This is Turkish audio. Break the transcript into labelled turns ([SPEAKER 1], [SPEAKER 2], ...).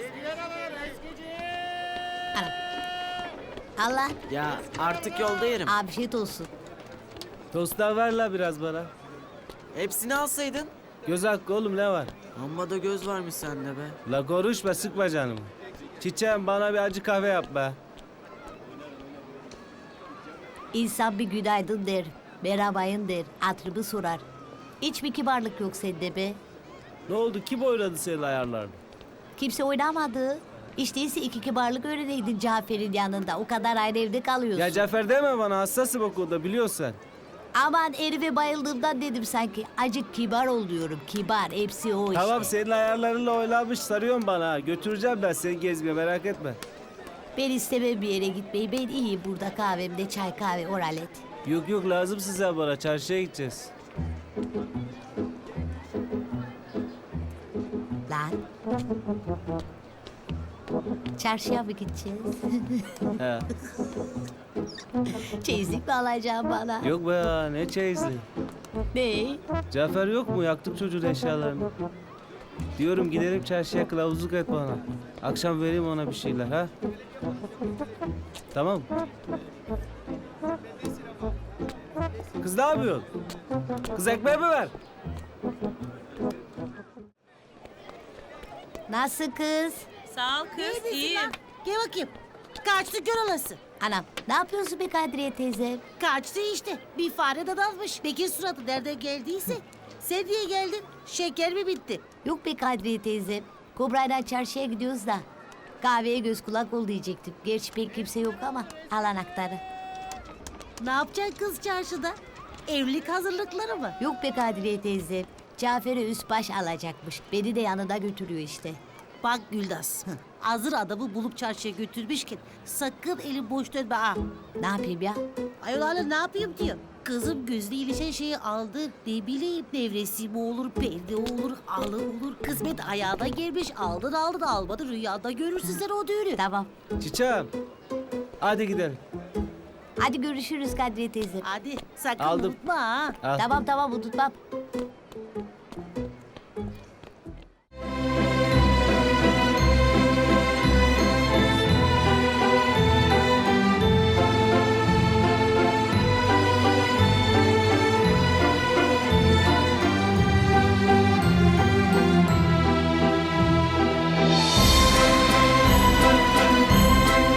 [SPEAKER 1] Anam. Allah.
[SPEAKER 2] Ya artık yolda yerim.
[SPEAKER 1] Afiyet olsun.
[SPEAKER 3] Tosta ver la biraz bana.
[SPEAKER 2] Hepsini alsaydın.
[SPEAKER 3] Göz hakkı oğlum ne var?
[SPEAKER 2] Amma da göz varmış sende be.
[SPEAKER 3] La konuşma sıkma canımı. Çiçeğim bana bir acı kahve yap be.
[SPEAKER 1] İnsan bir günaydın der. Merhabayın der. Hatırımı sorar. Hiç mi kibarlık yok sende be?
[SPEAKER 3] Ne oldu kim oynadı senin ayarlarını?
[SPEAKER 1] Kimse oynamadı. İşte değilse iki kibarlık öğreneydin Cafer'in yanında. O kadar ayrı evde kalıyorsun.
[SPEAKER 3] Ya Cafer deme bana hassasım o konuda biliyorsun sen.
[SPEAKER 1] Aman herife bayıldığımdan dedim sanki. Acık kibar ol diyorum. Kibar. Hepsi o işte.
[SPEAKER 3] Tamam senin ayarlarınla oynamış sarıyorsun bana. Ha. Götüreceğim ben seni gezmeye merak etme.
[SPEAKER 1] Ben istemem bir yere gitmeyi. Ben iyiyim burada kahvemde çay kahve oralet.
[SPEAKER 3] Yok yok lazım size bana çarşıya gideceğiz.
[SPEAKER 1] Lan. Çarşıya mı gideceğiz?
[SPEAKER 3] He.
[SPEAKER 1] Çeyizlik mi alacaksın bana?
[SPEAKER 3] Yok be ya ne çeyizli.
[SPEAKER 1] Ne?
[SPEAKER 3] Cafer yok mu yaktık çocuğun eşyalarını. Diyorum gidelim çarşıya kılavuzluk et bana. Akşam vereyim ona bir şeyler ha. Tamam. Kız ne yapıyorsun? Kız ekmeği mi ver?
[SPEAKER 1] Nasıl kız?
[SPEAKER 4] Sağ ol kız, iyiyim.
[SPEAKER 5] Gel bakayım. Kaçtı gör olası.
[SPEAKER 1] Anam ne yapıyorsun be Kadriye teyze?
[SPEAKER 5] Kaçtı işte. Bir fare de dalmış. Bekir suratı nereden geldiyse. Sen niye geldin? Şeker mi bitti?
[SPEAKER 1] Yok be Kadriye teyze. Kobra'yla çarşıya gidiyoruz da. Kahveye göz kulak ol diyecektim. Gerçi pek kimse yok ama al anahtarı.
[SPEAKER 5] Ne yapacaksın kız çarşıda? Evlilik hazırlıkları mı?
[SPEAKER 1] Yok be Kadriye teyze. Cafer'e üst baş alacakmış. Beni de yanında götürüyor işte.
[SPEAKER 5] Bak Güldas. Hazır adamı bulup çarşıya götürmüşken sakın elin boş dönme ha.
[SPEAKER 1] Ne yapayım ya?
[SPEAKER 5] Ayol hala ne yapayım diyor. Kızım gözle ilişen şeyi aldı. Ne bileyim devresi mi olur, perde olur, alı olur. Kısmet ayağına gelmiş. Aldın almadın. Rüyanda görürsün sen o düğünü.
[SPEAKER 1] Tamam.
[SPEAKER 3] Çiçeğim. Hadi gidelim.
[SPEAKER 1] Hadi görüşürüz Kadriye teyze.
[SPEAKER 5] Hadi sakın
[SPEAKER 3] Aldım.
[SPEAKER 5] unutma ha.
[SPEAKER 3] Al.
[SPEAKER 1] Tamam unutmam.